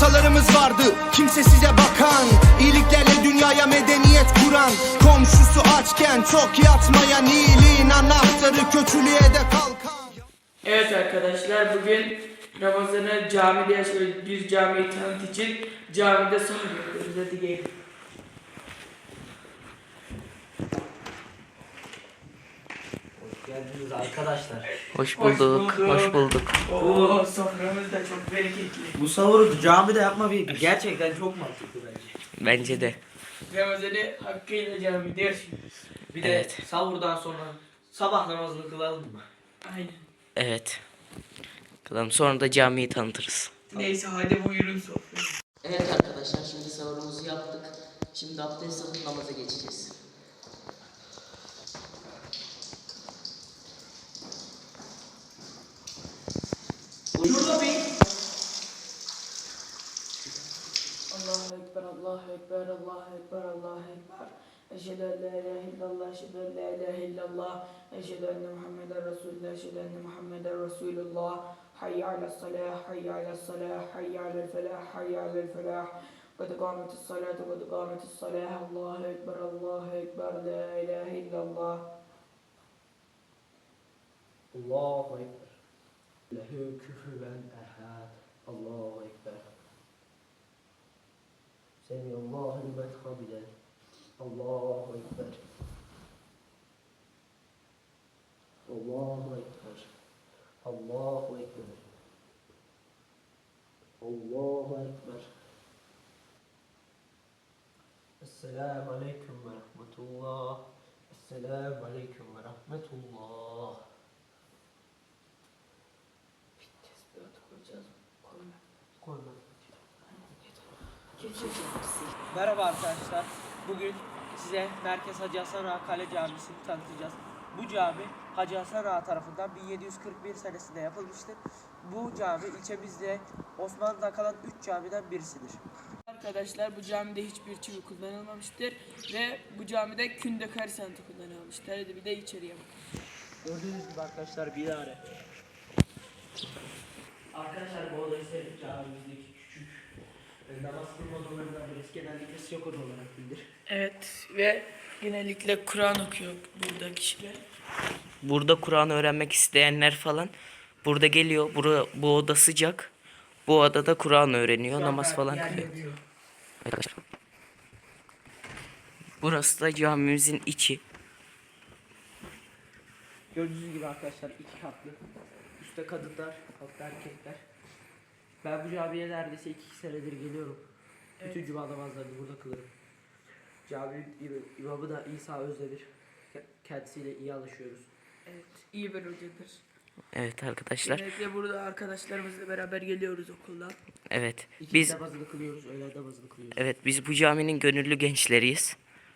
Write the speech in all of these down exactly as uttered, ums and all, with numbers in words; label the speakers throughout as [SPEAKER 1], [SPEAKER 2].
[SPEAKER 1] atalarımız vardı, kimse size bakan, iyiliklerle dünyaya medeniyet kuran, komşusu açken çok yatmayan, iyiliğin anahtarı kötülüğe de kalkan.
[SPEAKER 2] Evet arkadaşlar, bugün Ramazan'ı camide yaşıyoruz. Bir camiyi tanıt için camide sahur yapıyoruz. Hadi gelin.
[SPEAKER 3] Hoş geldiniz arkadaşlar.
[SPEAKER 4] Hoş bulduk, hoş bulduk.
[SPEAKER 2] Oo, soframız da çok bereketli.
[SPEAKER 3] Bu sahuru camide yapma bir gerçekten çok mantıklı bence.
[SPEAKER 4] Bence de.
[SPEAKER 2] Ramazan'ı hakkıyla camide yaşıyoruz.
[SPEAKER 3] Bir de
[SPEAKER 4] Evet.
[SPEAKER 3] sahurdan sonra sabah namazını kılalım mı?
[SPEAKER 2] Aynen.
[SPEAKER 4] Evet. Kılalım, sonra da camiyi tanıtırız.
[SPEAKER 2] Neyse hadi buyurun sofraya.
[SPEAKER 4] Evet arkadaşlar, şimdi sahurumuzu yaptık. Şimdi abdest alıp namaza geçeceğiz.
[SPEAKER 2] Şurada bir Allahu Ekber, Allahu Ekber, Allahu Ekber, Allahu Ekber. Eşhedü en la ilahe illallah, eşhedü en la ilahe illallah, eşhedü enne Muhammeden Resulullah, eşhedü enne Muhammeden Resulullah. Hayy alel salah, hayy alel salah, hayy alel felah, hayy alel felah. Kad kâmetis salatu, kad kâmetis salah. Allahu Ekber, Allahu Ekber, la ilahe illallah.
[SPEAKER 3] Allahu Ekber. Lehu küfüven ehad. Allahu Ekber. Semiyallahu limen hamiden. Allahu Ekber. Allahu Ekber. Allahu Ekber. Allahu Ekber. Esselamu Aleyküm ve Rahmetullah. Esselamu Aleyküm ve Rahmetullah.
[SPEAKER 2] Tesbihatı koyacağız. Koyma.
[SPEAKER 3] Koyma.
[SPEAKER 2] Geçeceğiz.
[SPEAKER 5] Merhaba arkadaşlar. Bugün size Merkez Hacı Hasan Ağa Kale Camisi'ni tanıtacağız. Bu cami Hacı Hasan Ağa tarafından bin yedi yüz kırk bir senesinde yapılmıştır. Bu cami ilçemizde Osmanlı'da kalan üç camiden birisidir.
[SPEAKER 2] Arkadaşlar, bu camide hiçbir çivi kullanılmamıştır ve bu camide kündekar sanatı kullanılmıştır. Hadi bir de içeriye bakın.
[SPEAKER 5] Gördüğünüz gibi arkadaşlar bilare. Arkadaşlar bu odayı sevdik, camimizdeki küçük e, namaz kılma odalarından birisi, genellikle siyok oda olarak bilinir.
[SPEAKER 2] Evet ve genellikle Kur'an okuyor burada kişiler.
[SPEAKER 4] Burada Kur'an öğrenmek isteyenler falan burada geliyor. Bura, bu oda sıcak. Bu odada Kur'an öğreniyor, namaz falan kılıyor. Arkadaşlar. Burası da camimizin içi.
[SPEAKER 5] Gördüğünüz gibi arkadaşlar iki katlı. Üstte kadınlar, altta erkekler. Ben bu camiye neredeyse iki senedir geliyorum.
[SPEAKER 2] Evet.
[SPEAKER 5] Bütün cuma namazlarını burada kılırım. Caminin im- imamı da İsa Özdemir. Ke- Kendisiyle iyi anlaşıyoruz.
[SPEAKER 2] Evet, iyi bir hocadır.
[SPEAKER 4] Evet arkadaşlar.
[SPEAKER 2] Genellikle burada arkadaşlarımızla beraber geliyoruz okuldan.
[SPEAKER 4] Evet.
[SPEAKER 5] İki
[SPEAKER 4] Biz
[SPEAKER 5] namazını kılıyoruz, öğlen namazını kılıyoruz.
[SPEAKER 4] evet biz bu caminin gönüllü gençleriyiz.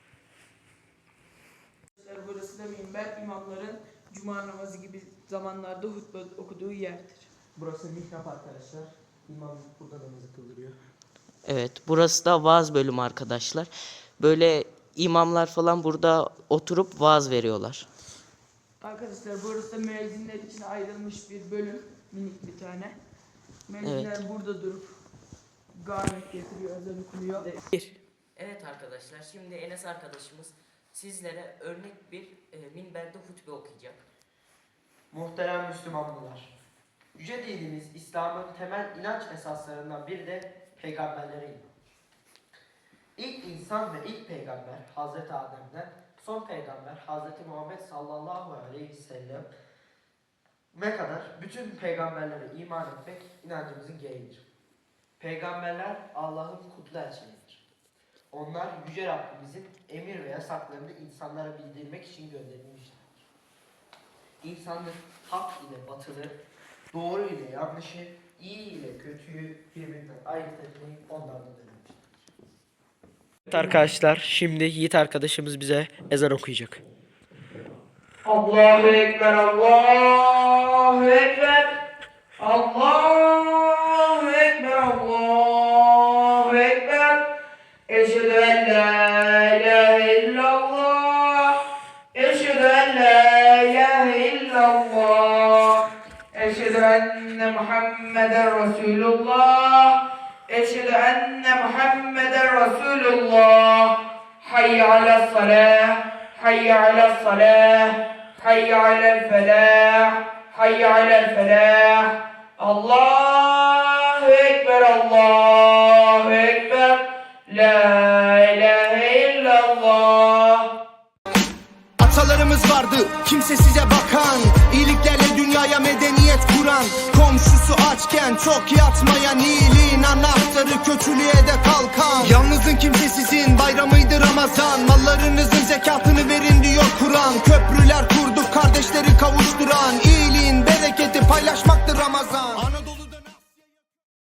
[SPEAKER 2] Arkadaşlar, burası da minber, imamların cuma namazı gibi zamanlarda hutbe okuduğu yerdir.
[SPEAKER 5] Burası mihrap arkadaşlar. İmam burada namazı kıldırıyor.
[SPEAKER 4] Evet, burası da vaaz bölümü arkadaşlar. Böyle imamlar falan burada oturup vaaz veriyorlar.
[SPEAKER 2] Arkadaşlar, burası da müezzinler için ayrılmış bir bölüm, minik bir tane. Müezzinler burada durup garnet getiriyor, ezan okunuyor.
[SPEAKER 4] Evet arkadaşlar, şimdi Enes arkadaşımız sizlere örnek bir e, minberde hutbe okuyacak.
[SPEAKER 6] Muhterem Müslümanlar, yüce dinimiz İslam'ın temel inanç esaslarından biri de peygamberlere iman. İlk insan ve ilk peygamber Hazreti Adem'den son peygamber Hazreti Muhammed sallallahu aleyhi ve sellem'e kadar bütün peygamberlere iman etmek inancımızın gereğidir. Peygamberler Allah'ın kutlu elçileridir. Onlar yüce Rabbimizin emir ve yasaklarını insanlara bildirmek için gönderilmiştir. İnsanlık hak ile batılı, doğru ile yanlışı, iyi ile kötüyü birbirinden ayırt etmeyi onlardan öğrenmiştir.
[SPEAKER 5] Evet arkadaşlar, şimdi Yiğit arkadaşımız bize ezan okuyacak.
[SPEAKER 2] Allahu Ekber, Allahu Ekber, Allahu Ekber, Allahu Ekber. Eşhedü en la ilahe illallah, eşhedü en la ilahe illallah, eşhedü enne Muhammeden Resulullah. Eşhedü enne Muhammeden Resulullah. Hayy ala salah, hayy ala salah, hayy alel felah, hayy alel felah. Allahu Ekber, Allahu Ekber, la ilahe illallah.
[SPEAKER 1] Atalarımız vardı kimsesize bakan, iyiliklerle dünyaya medeniyet kuran, komşusu açken çok yatmayan, iyiliğin anahtarı kötülüğe de kalkan. Yalnızın kimsesizin bayramıydı Ramazan, mallarınızı